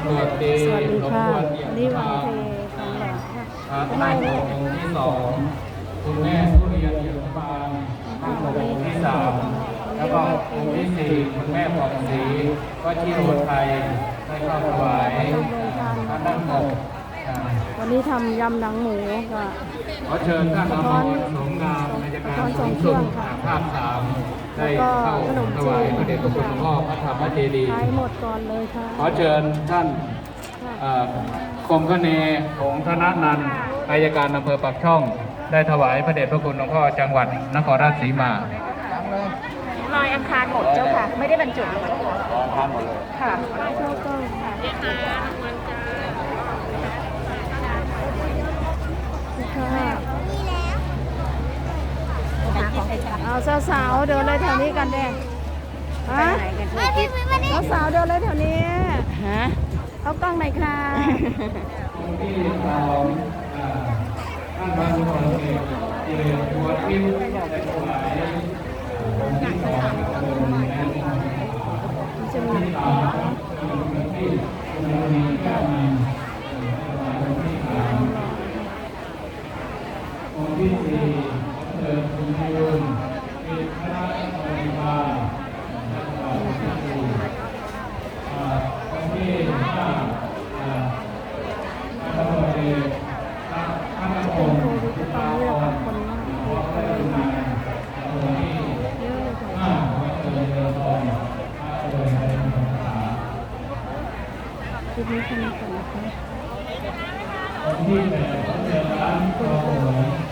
ตรวจดีสวัสดีค่ะ นี่วันทเททองหล่อค่ะท่านองค์ที่สองคุณแม่ทุเรียนเอี่ยมบานท่านองค์ที่สามแล้วก็องค์ที่สี่คุณแม่ผ่องศรีก็ที่โรไทยได้เข้าถวายพระนั่งหกวันนี้ทำยำหนังหมูค่ะขอเชิญท่านอมรสมงามในการสูงสุดภาคสามได้เข้าถวายพระเดชพระคุณหลวงพ่อพระธรรมเจดีย์ขายหมดก่อนเลยค่ะขอเชิญท่านกรมคเนของธนนันท์อัยการอำเภอปากช่อง ได้ถวายพระเดชพระคุณหลวงพ่อจังหวัดนครราชสีมาลอยอังคารหมดเจ้าค่ะ ไม่ได้บรรจุเลยเจ้าค่ะอังคารหมดเลยค่ะเข้าก็ค่ะเอาสาวๆเดินเลยแถวนี้กันแดงฮะสาวๆเดินเลยแถวนี้ฮะเอากล้องหน่อยค่ะองค์ที่สองท่านพระสุพรรณเอกเจริญวัดพิมพ์ได้ถวายองค์ที่สององค์แม่จะมีที่สามองค์ที่คุณมีแก้วมีองค์ที่สี่เดินคุณยืนเป็นพระบริวารองค์ที่สี่องค์ที่ห้าพระบรมพระนครโควิดตอนนี้เรากับคนมากเลยเยอะเลยค่ะคลิปนี้แค่นี้ก่อนนะคะที่แปดเจอร้านทอง